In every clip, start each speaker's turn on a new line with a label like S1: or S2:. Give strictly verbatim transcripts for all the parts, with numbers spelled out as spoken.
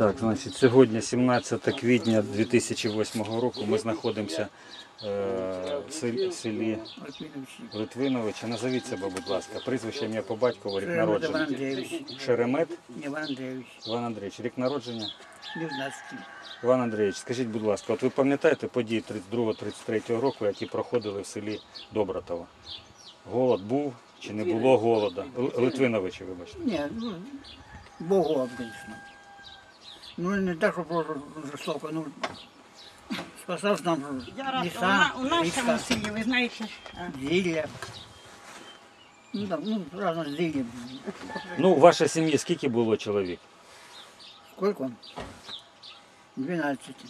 S1: Так, значить, сьогодні сімнадцяте квітня дві тисячі восьмого року ми знаходимося е, в селі, в селі Литвиновича. Назовіть себе, будь ласка. Прізвище, ім'я по батькову, рік народження. Шеремет
S2: Іван Андрійович.
S1: Іван Андрійович. Рік народження.
S2: дев'ятнадцятий.
S1: Іван Андрійович, скажіть, будь ласка, от ви пам'ятаєте події тридцять другого тридцять третього року, які проходили в селі Добротово? Голод був чи не було голода? Л- Литвиновичі, вибачте.
S2: Ні, ну, був голод, звісно. Ну, не так, що просто жорстоко, ну, спасав нам
S3: Я
S2: ліса,
S3: раз, у, на, у нашому
S2: річка,
S3: селі, ви знаєте,
S2: зілля. Ну, там, ну, разно зілля.
S1: Ну, у вашій сім'ї скільки було чоловік?
S2: Сколько? дванадцять.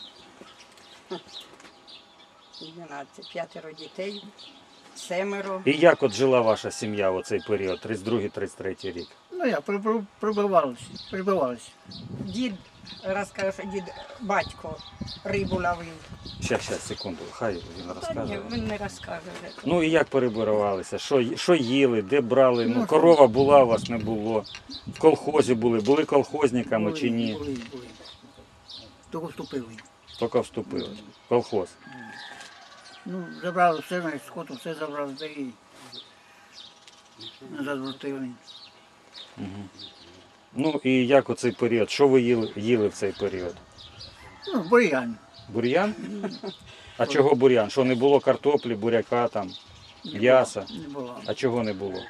S3: дванадцять, п'ятеро дітей, семеро.
S1: І як от жила ваша сім'я в цей період, тридцять другий тридцять третій рік?
S2: Ну, я при- при- прибивався, прибивався.
S3: Дід розкаже, що дід батько рибу ловив.
S1: Щас, щас, секунду, хай він
S3: Та ні,
S1: розкаже.
S3: він не розкаже вже.
S1: Ну і як перебиралися? Що, що їли, де брали? Ну,
S2: Ну,
S1: корова була, у вас не було. В колхозі були, були колхозниками
S2: Були,
S1: чи ні?
S2: Були, були. Тільки вступили.
S1: Тільки вступили. в Колхоз.
S2: Ну, забрали все, навіть скоту, все забрали, та і назад вертили.
S1: Ну і як у цей період? Що ви їли, їли в цей період?
S2: Ну, бур'ян.
S1: Бур'ян? А чого бур'ян? Що не було картоплі, буряка там, м'яса?
S2: Не було.
S1: А чого не було?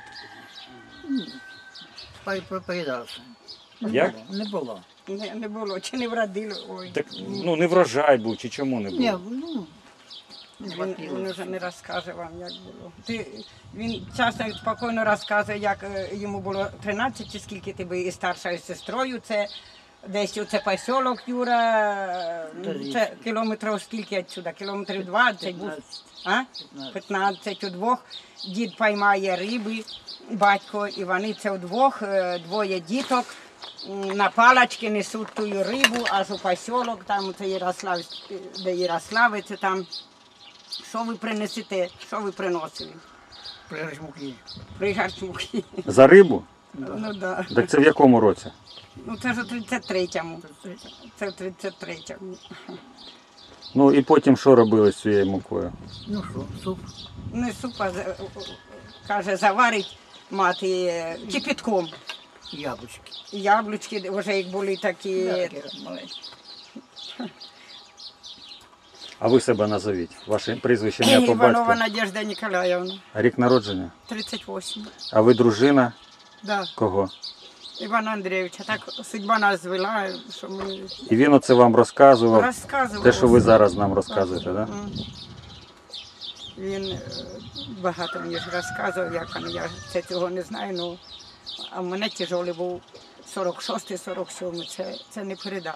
S2: Пой- пой- Поїдався. Не
S1: Як?
S2: було, Не було.
S3: Не, не було, чи не вродило. Ой.
S1: Так, ну не врожай був, чи чому не
S2: Ні,
S1: було?
S2: ну, не
S3: Він,
S2: хватило.
S3: він вже не розкаже вам, як було. Ти, він часто і спокійно розказує, як е, йому було тринадцять, чи скільки ти був із старшою сестрою. Це десь оце посілок Юра, ну, це кілометрів скільки відсюди, кілометрів двадцять. був. А? п'ятнадцять удвох. Дід поймає риби, батько, і вони це удвох, е, двоє діток. м, На палочки несуть ту рибу, аж у посілок, там це Ярослав, де Ярославець, там. Що ви принесете, що ви приносили?
S2: Пригорш муки.
S3: Пригарч муки.
S1: За рибу?
S3: Ну да.
S1: Так це в якому році?
S3: Ну це ж у тридцять третьому. Це в тридцять третьому.
S1: Ну і потім що робили з цією мукою?
S2: Ну що, суп,
S3: Не супа, за- каже, заварить мати е, кипятком.
S2: яблучки.
S3: Яблучки вже як були такі.
S2: Да, таке маленьке.
S1: А ви себе назовіть. Ваше прізвище, ім'я по
S3: Іванова
S1: батьку.
S3: Надежда Ніколаївна.
S1: Рік народження.
S3: тридцять вісім.
S1: А ви дружина
S3: Да.
S1: кого?
S3: Івана Андрійовича. Так судьба нас звела, що ми
S1: І він оце вам розказував,
S3: розказували.
S1: те, що ви зараз нам розказуєте, так? Да?
S3: М. Він е, багато мені ж розказував, як він, я це цього не знаю, ну, а в мене тяжолий був сорок шостий сорок сьомий, це, це не передати.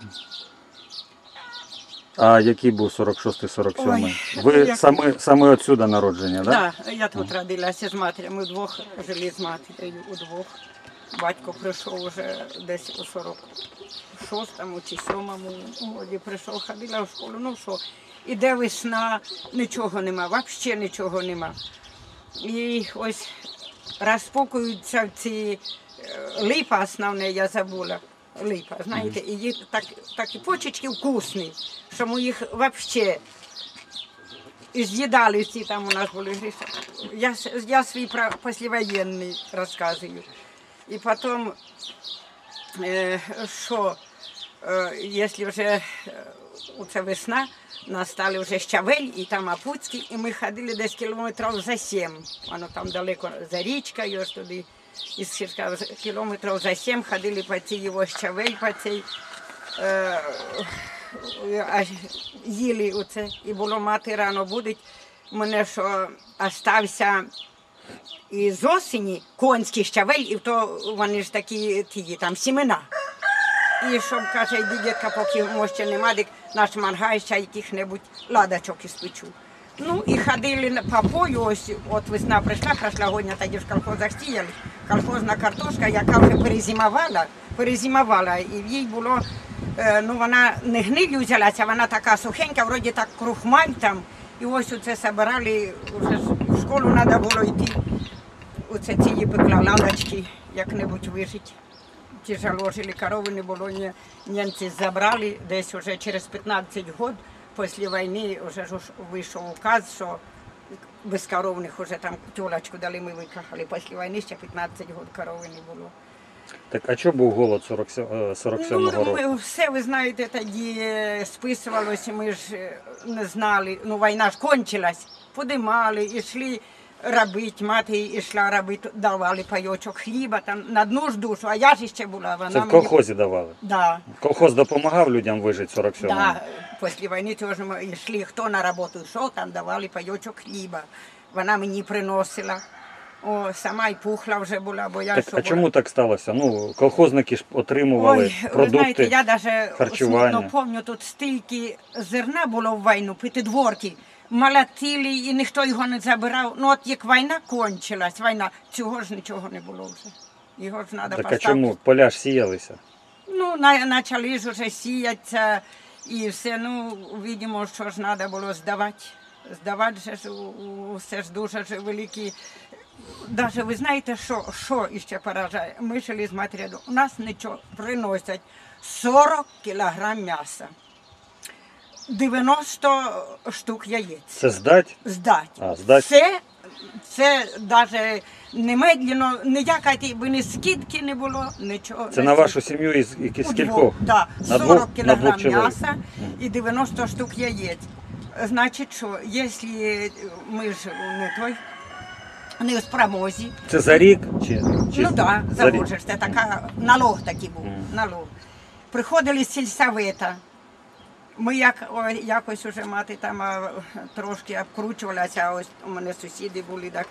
S1: А який був сорок шостий сорок сьомий?
S3: Ой,
S1: Ви
S3: як-
S1: саме, саме отсюда народження, так? Да?
S3: Так, да, я тут родилася з матір'ю, ми вдвох жили з матір'ю, удвох. Батько прийшов вже десь у сорок шостому чи сьомому році, прийшов, ходила в школу, ну що, іде весна, нічого нема, взагалі нічого нема. І ось розпокуються ці е, липа основне, я забула, липа, знаєте, і їх так, такі почечки вкусні, що ми їх взагалі і з'їдали всі, там у нас були гріші. Я, с- я свій про післявоєнний розказую. І потім, е, що, е, якщо вже е, оце весна, настали вже Щавель і там Апуцький, і ми ходили десь кілометрів за сім. Воно там далеко за річкою, аж туди, із Сірка, кілометрів за сім ходили по цій його Щавель, по цій, е, аж їли оце. І було мати рано будуть. Мене що остався і з осені конський щавель, і то вони ж такі ті, там сімена. І щоб, каже, дідька, поки може нема, дик наш мангай ще яких-небудь ладочок іспечу. Ну і ходили на- по полю, ось от весна прийшла, прошлогодня, тоді в колхозах сіяли. Колхозна картошка, яка вже перезимувала, перезимувала, і в їй було, е, ну вона не гнилью взялася, вона така сухенька, вроді так крухмаль там. І ось оце збирали, вже в школу треба було йти. Оце ці пекла ладочки, як-небудь вижити. тяжело жили, корови не було, ні- німці забрали, десь уже через п'ятнадцять років після війни вже ж вийшов указ, що безкоровних вже там тюлечку дали, ми викахали. Після війни ще п'ятнадцять років корови не було.
S1: Так, а чого був голод сорок сьомого
S3: Ну,
S1: року?
S3: ми все, ви знаєте, тоді е, списувалося, ми ж е, не знали, ну війна ж кончилась, подимали, йшли робити, мати йшла робити, давали пайочок хліба, там на одну ж душу, а я ж ще була, вона
S1: Це в
S3: мені-
S1: колхозі давали?
S3: Да,
S1: Колхоз допомагав людям вижити в сорок сьомому?
S3: да, після війни теж ми йшли, хто на роботу йшов, там давали пайочок хліба, вона мені приносила. О, сама й пухла вже була, бо я
S1: Так,
S3: що
S1: а
S3: була-
S1: чому так сталося? Ну, колхозники ж отримували
S3: Ой, ви
S1: продукти.
S3: знаєте, я навіть
S1: харчування.
S3: смутно пам'ятаю, тут стільки зерна було в війну, п'ятидворки, молотили і ніхто його не забирав. Ну от як війна кончилась, війна, цього ж нічого не було вже. Його ж треба
S1: Так а
S3: поставити.
S1: чому? Поля ж сіялися.
S3: Ну, на, почали ж уже сіятися і все, ну, видимо, що ж треба було здавати. Здавати же ж, у- у- все ж дуже ж великі. Даже ви знаєте, що, що іще поражає? Ми жили з матір'ю, у нас нічого приносять сорок кілограм м'яса, дев'яносто штук яєць.
S1: Це здать?
S3: Здать.
S1: А, здать.
S3: Це, це навіть немедленно, ніякої би ні скидки не було, нічого.
S1: Це
S3: не
S1: на
S3: скидки.
S1: вашу сім'ю із, із
S3: У
S1: кількох?
S3: двох, да.
S1: На
S3: сорок
S1: двох- на
S3: кілограм
S1: двох чоловік.
S3: м'яса і дев'яносто штук яєць. Значить, що, якщо ми ж не той, не в спромозі,
S1: Це за рік? Чи, чи
S3: ну так,
S1: за рік?
S3: заводжеш, це така, налог такий був,
S1: Мгм.
S3: налог. Приходили з сільсовета, ми як, о, якось уже мати там а, трошки обкручувалася, а ось у мене сусіди були, так.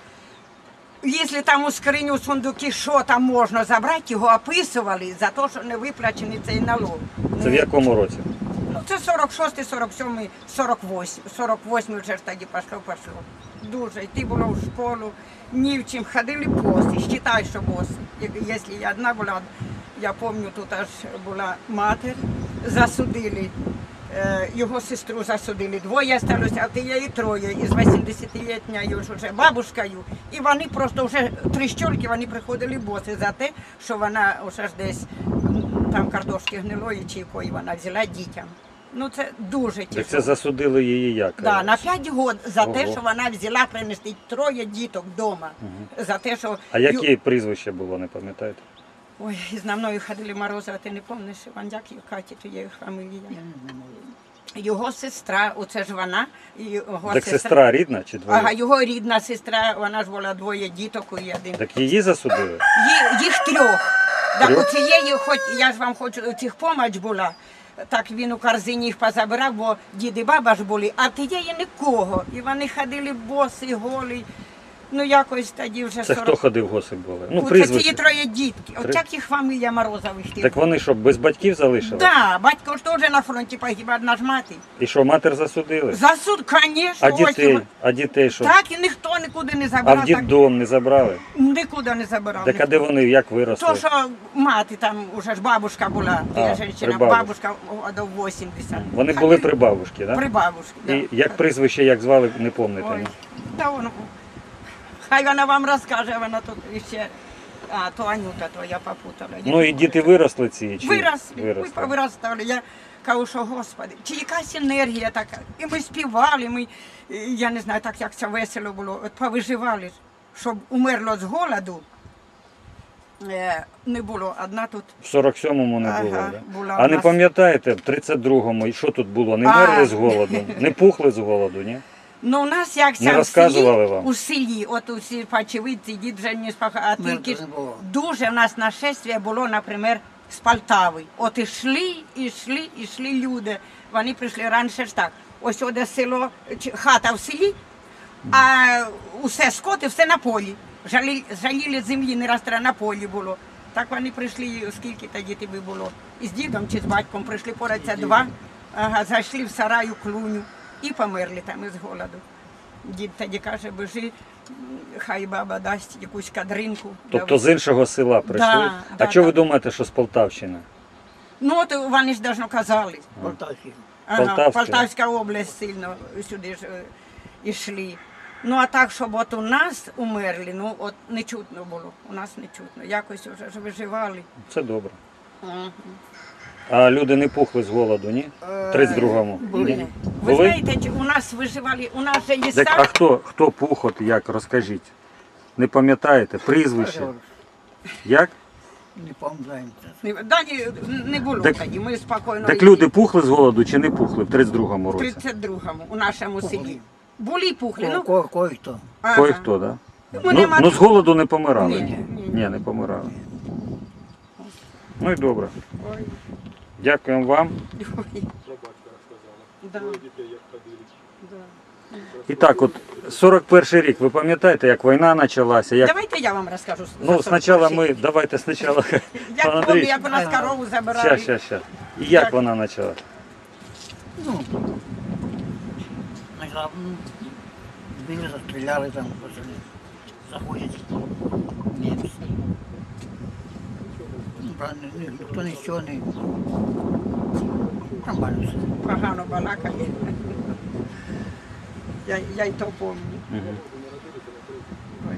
S3: Якщо там у скриню, у сундуки, що там можна забрати, його описували за те, що не виплачений цей налог.
S1: Це в
S3: Не-
S1: якому році?
S3: Ну, це сорок шостий, сорок сьомий, сорок восьмий. сорок восьмий вже ж тоді пішло, пішло. Дуже. Йти було в школу, ні в чим. Ходили боси, вважай, що боси. Як- Якщо я одна була, я пам'ятаю, тут аж була матір, засудили. е, Його сестру засудили. Двоє залишилося, а тієї троє. Із вісімдесятилітньою ж уже бабушкою. І вони просто вже три щольки, вони приходили боси за те, що вона вже ж десь м, там картошки гнилої чи якої вона взяла дітям. Ну це дуже
S1: Так це
S3: тяжко.
S1: засудили її як?
S3: Да, на п'ять років за те,
S1: Ого.
S3: що вона взяла принести троє діток вдома. За те, що...
S1: А яке прізвище було, не пам'ятаєте?
S3: Ой, за мною ходили Морозова, ти не пам'ятаєш, Іван, як її Каті, то є фамілія.
S2: Я не знаю.
S3: Його сестра, оце ж вона, і його
S1: Так сестра рідна чи
S3: Ага,
S1: двоє?
S3: його рідна сестра, вона ж була двоє діток і один.
S1: Так її засудили?
S3: Ї- Їх трьох. Так
S1: Трьох?
S3: у цієї, хоч я ж вам хочу, у цих помач була, так він у корзині їх позабирав, бо дід і баба ж були, а тієї нікого. І вони ходили боси, голі. Ну якось тоді вже
S1: Це
S3: сорок.
S1: хто ходив госик були? Ну,
S3: Оце ці
S1: прізвище.
S3: троє дітки.
S1: Три-
S3: От як їх фамілія Морозових тих.
S1: Так вони що, без батьків залишили?
S3: Да, батько ж теж на фронті погиб, одна ж мати.
S1: І що, матір засудили?
S3: За суд, звісно.
S1: А
S3: ось
S1: дітей?
S3: його-
S1: А дітей що?
S3: Так і ніхто нікуди не
S1: А
S3: забирав.
S1: в
S3: так,
S1: дітдом не забрали?
S3: нікуди не забирав.
S1: Так а де вони, як виросли?
S3: То, що мати там, уже ж бабушка була,
S1: А,
S3: я
S1: при
S3: жінка,
S1: бабушці.
S3: бабушка о, до вісімдесят.
S1: Вони були при бабушці, так?
S3: При бабушці, да.
S1: І як прізвище, як звали, не пам'ятаєте?
S3: Ой,
S1: ні?
S3: та воно, хай вона вам розкаже, вона тут ще, а, то Анюта, то я попутала. Я
S1: Ну і
S3: не
S1: діти
S3: пам'ятаю.
S1: виросли ці? Чи
S3: Виросли, ми
S1: виросли?
S3: повиростали. Я кажу, що Господи, чи якась енергія така. І ми співали, ми, е, я не знаю, так як це весело було, от повиживали, щоб умерло з голоду. Е, не було, одна тут.
S1: В сорок сьомому не
S3: Ага,
S1: було, да?
S3: була
S1: А
S3: в
S1: не
S3: нас-
S1: пам'ятаєте, в тридцять другому, і що тут було? Не
S3: А.
S1: мерли з голоду? Не пухли з голоду, ні?
S3: Ну, у нас як
S1: Не
S3: це в
S1: розказували
S3: селі,
S1: вам?
S3: у селі, от у селі Пачевиці, дід вже не спаха, а
S2: Мене
S3: тільки
S2: теж
S3: ж
S2: не було.
S3: дуже в нас нашествие було, наприклад, з Полтави. От ішли, ішли, ішли люди. Вони прийшли раніше ж так. Ось оде село, чи- хата в селі, а усе скоти, все на полі. Жалі, жаліли землі, не раз треба на полі було. Так вони прийшли, скільки тоді тобі було, із дідом чи з батьком прийшли порадься два, ага, зайшли в сараю клуню і померли там із голоду. Дід тоді каже, бежи, хай баба дасть якусь кадринку.
S1: Тобто з іншого села прийшли?
S3: Да,
S1: а
S3: да,
S1: чого ви
S3: да.
S1: думаєте, що з Полтавщини?
S3: Ну, от вони ж давно казали.
S2: Полтавський.
S3: Ага,
S1: Полтавська.
S3: Полтавська область сильно сюди ж е, йшли. Ну, а так, щоб от у нас умерли, ну, от не чутно було. У нас не чутно. Якось вже ж виживали.
S1: Це добре.
S3: Мгм.
S1: А люди не пухли з голоду, ні? В тридцять другому?
S3: Були.
S1: Ні?
S3: Ви
S1: Були?
S3: знаєте, чи у нас виживали, у нас же
S1: Так, а
S3: ліса.
S1: хто, хто пух, от як, розкажіть. Не пам'ятаєте? Прізвище? Як?
S2: Не пам'ятаємо.
S3: Не- Да, ні, не було
S1: Так-
S3: тоді, ми спокійно.
S1: Так
S3: йшли.
S1: люди пухли з голоду чи не пухли в тридцять другому
S3: В
S1: році?
S3: тридцять другому у нашому селі. Були пухлі,
S2: Ко-
S3: ну.
S2: ко- Кой-хто.
S3: ага.
S1: Кое-хто, так? Да?
S3: Ми
S1: Ну,
S3: нема-
S1: ну з голоду не помирали?
S3: Ні, ні, ні.
S1: Ні, не помирали. Ну і добре.
S3: Ой,
S1: Дякуємо вам.
S3: ой. Да. Да.
S1: І так, от сорок перший рік, ви пам'ятаєте, як війна почалася? Як...
S3: Давайте я вам розкажу.
S1: Ну, спочатку ми, давайте спочатку.
S3: Я
S1: Пан
S3: пам'ятаю,
S1: Андрій,
S3: як у нас корову забирали.
S1: щас, щас, щас. І як
S3: Так.
S1: вона почалася?
S2: Ну, начала, м, били, застріляли там, пацани. Заходять німці. Ну, правда, ні- ніхто нічого не... Нормально все.
S3: Погано балакає. Я, я й то пам'ятаю.
S1: Мгм.
S3: Ой.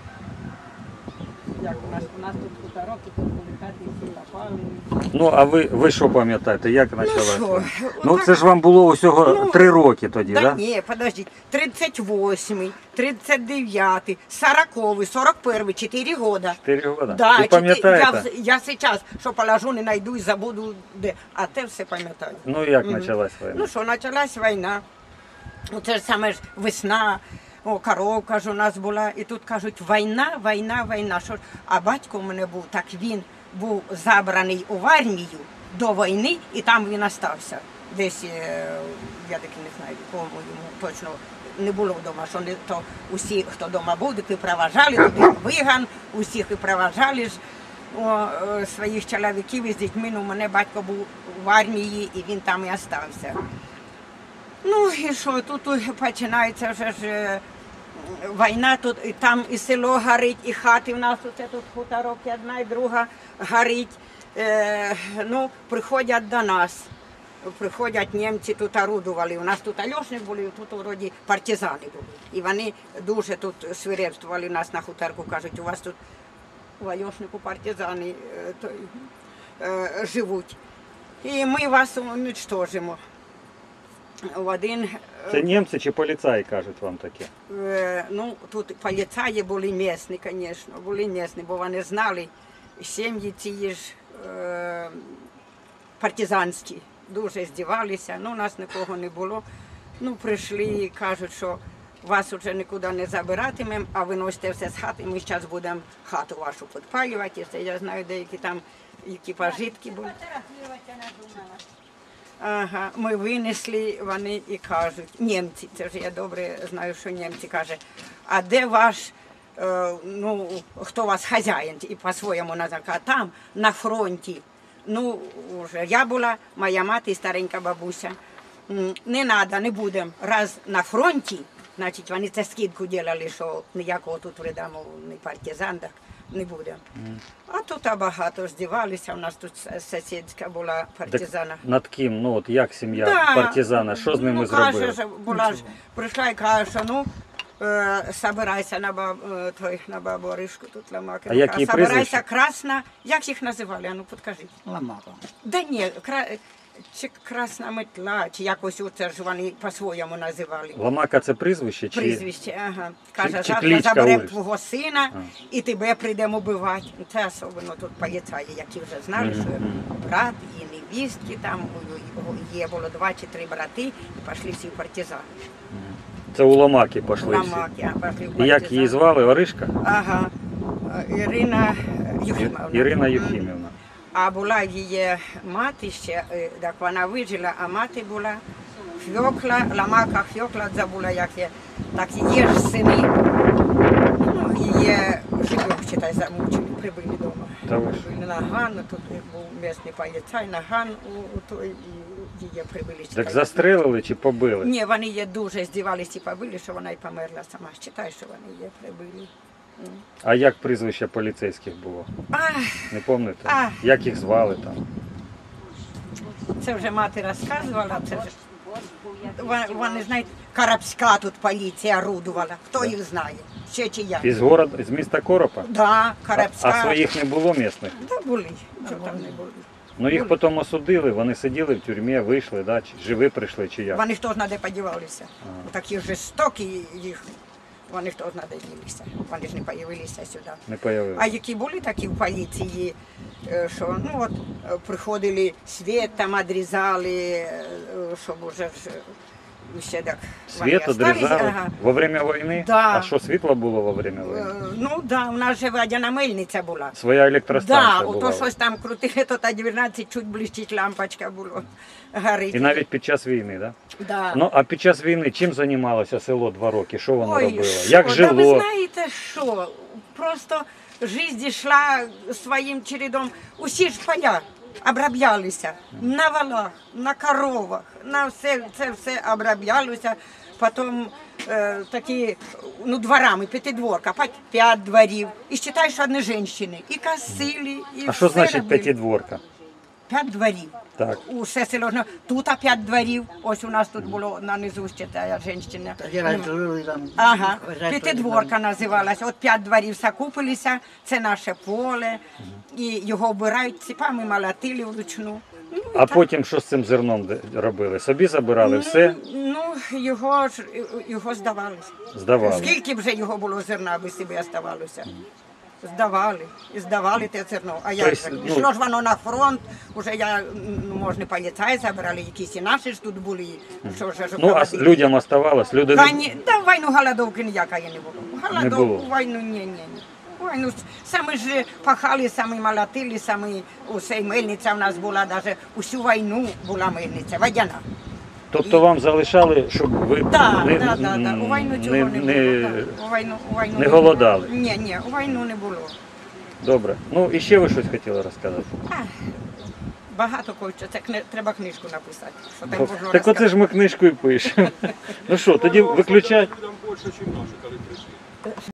S3: Як у нас, у нас тут хуторок, і тут були хати, всі попали.
S1: Ну, а ви, ви що пам'ятаєте, як почалася?
S3: що,
S1: вона?
S3: отак.
S1: Ну, це ж вам було усього
S3: Ну,
S1: три роки тоді,
S3: Да,
S1: так? Да?
S3: ні, подождіть, тридцять восьмий, тридцять дев'ятий, сороковий, сорок перший, чотири года.
S1: Чотири роки.
S3: Да,
S1: Ви
S3: чотири-
S1: пам'ятаєте?
S3: я, я зараз, що положу, не знайду і забуду де. А те все пам'ятаю.
S1: Ну, як
S3: Мгм.
S1: почалась війна?
S3: Ну що, почалась війна. Ну, це ж саме ж весна, о, коровка ж у нас була. І тут кажуть, війна, війна, війна. Що ж? А батько у мене був, так він був забраний у армію до війни, і там він остався. Десь, е, я таки не знаю, кому йому точно не було вдома, що не, то усі, хто вдома був, таки проважали, туди виган, усіх і проважали ж. О, е, своїх чоловіків із дітьми, ну, у мене батько був в армії, і він там і остався. Ну і що, тут починається вже ж е, війна, тут і там і село горить, і хати в нас, оце тут хуторок, і одна і друга горить. Е, ну, приходять до нас, приходять німці, тут орудували. У нас тут альошник були, тут вроді партизани були. І вони дуже тут свирепствували нас на хуторку, кажуть, у вас тут в альошнику партизани е, той, е, живуть. І ми вас уничтожимо. В один, е,
S1: Це німці чи поліцаї кажуть вам таке?
S3: е, ну, тут поліцаї були місні, звісно, були місні, бо вони знали сім'ї ці ж е, партизанські, дуже здівалися, ну, у нас нікого не було. Ну, прийшли і кажуть, що вас вже нікуди не забиратимемо, а виносите все з хати, ми зараз будемо хату вашу підпалювати. І це я знаю, деякі там, які пожитки були. Ага, ми винесли, вони і кажуть, німці, це ж я добре знаю, що німці кажуть, а де ваш, е, ну, хто у вас хазяїн, і по-своєму називає, а там, на фронті, ну, вже я була, моя мати і старенька бабуся, М, не треба, не будемо, раз на фронті, значить, вони це скидку робили, що ніякого тут вреда, мов, не партизан, так, не буде. А тут багато здівалися, у нас тут сусідська була партизана.
S1: Так над ким? Ну, от як сім'я
S3: Да.
S1: партизана, що з ними
S3: ну,
S1: зробили?
S3: Каже, що була ж, прийшла і каже, що ну, е, собирайся на, баб, е, той, на бабу Оришку, тут ламаки.
S1: А які
S3: Собирайся
S1: прізвища?
S3: красна, як їх називали, а ну підкажіть.
S2: Ламака.
S3: Да ні, кра... чи красна метла, чи якось оце ж вони по-своєму називали.
S1: Ламака це прізвище? Чи...
S3: Прізвище, ага. Каже,
S1: чи
S3: завтра
S1: кличка
S3: заберемо
S1: вулиць?
S3: твого сина
S1: А.
S3: і тебе прийдемо вбивати. Це особливо тут поліцаї, які вже знали,
S1: Мгм.
S3: що брат і невістки там у- у- є було два чи три брати, і пішли всі в партизани.
S1: Це у Ламаки пішли всі.
S3: Ламаки, а пішли в
S1: І як її
S3: партизани.
S1: звали? Оришка?
S3: Ага. Ірина Юхимовна.
S1: Ірина
S3: Мгм.
S1: Юхімівна.
S3: А була її мати ще, е, так вона вижила, а мати була Фьокла, Ламака Фьокла, забула, як є, так її ж сини, ну, її живих, читай, замучили, прибили вдома.
S1: Та ви ж.
S3: Прибили на Ганну, тут був місний поліцай, на Ган у, у той, і її прибили.
S1: Так застрелили чи побили?
S3: Ні, вони її дуже здівалися і побили, що вона й померла сама. Читай, що вони її прибили.
S1: А як прізвище поліцейських було?
S3: Ах,
S1: Не пам'ятаєте?
S3: А.
S1: Як їх звали там?
S3: це вже мати розказувала, це вже. Вони, вони знають, Карабська тут поліція орудувала. Хто їх знає? ще чия.
S1: Із город, з міста Коропа?
S3: Да,
S1: А,
S3: Карабська.
S1: а своїх не було місних?
S3: Да, були, що там не були.
S1: Ну їх потім осудили, вони сиділи в тюрмі, вийшли, да? Чи живі прийшли, чи як?
S3: Вони хто знає, де подівалися. Такі жорстокі їх, вони хто знає, де ділися. Вони ж не появилися сюди.
S1: Не появилися.
S3: А які були такі в поліції, е, що ну от е, приходили, світ там відрізали, е, щоб уже ж е, ще так. вони
S1: Світ
S3: остались,
S1: одрізали
S3: ага.
S1: во время війни?
S3: Да.
S1: А що, світло було во время
S3: Е,
S1: війни?
S3: Ну так, да, у нас же водяна мельниця була.
S1: Своя електростанція
S3: Да,
S1: була.
S3: ото щось там крутили, то та дванадцять чуть блищить лампочка було. Горить.
S1: І навіть під час війни, так? Да?
S3: Да.
S1: Ну, а під час війни чим займалося село два роки? Що воно
S3: Ой,
S1: робило?
S3: що?
S1: Як
S3: Да
S1: жило?
S3: ви знаєте що? Просто життя йшла своїм чередом. Усі ж поля оброблялися на валах, на коровах, на все, це все оброблялося. Потім е, такі, ну, дворами, п'ятидворка, п'ять- п'ять дворів. І вважай, що одні жінки. І косили, і
S1: А що
S3: все
S1: значить
S3: робили.
S1: п'ятидворка?
S3: П'ять дворів.
S1: Так.
S3: Усе село. ну, Тут а п'ять дворів. Ось у нас тут було на низу ще та жінка.
S2: Тоді раніше жили там.
S3: Ага,
S2: хазяйство
S3: п'ятидворка називалася. От п'ять дворів закупилися, це наше поле, і його обирають ціпами, молотили вручну. Ну, і
S1: А
S3: так.
S1: потім що з цим зерном де- робили? Собі забирали все?
S3: Ну, його ж його здавали.
S1: Здавали.
S3: Скільки вже його було зерна, аби собі оставалося? Здавали, і здавали те зерно. А як
S1: Тобто,
S3: же?
S1: ну-
S3: Йшло ж воно на фронт, уже я, ну, може, поліцаї забирали, якісь і наші ж тут були. Що ж,
S1: Ну, а с- людям оставалось? Люди не-
S3: Кані... Да, в війну голодовки ніякої не було. Голодовку,
S1: було?
S3: війну, ні, ні, ні. Війну самі ж пахали, самі молотили, самі усе, і мельниця в нас була, навіть усю війну була мельниця, водяна.
S1: Тобто вам залишали, щоб ви
S3: Так,
S1: не,
S3: так, так, так. У війну цього
S1: не,
S3: не,
S1: не-
S3: було. так. У війну, у війну
S1: не голодали?
S3: Ні, ні, у війну не було.
S1: Добре. Ну, і ще ви щось хотіли розказати?
S3: А, багато кого, це кни... треба книжку написати. Що там
S1: Бо-
S3: можна
S1: Так оце ж ми книжку і пишемо. Ну що, тоді виключай.
S4: Людям більше, ніж наші, коли прийшли.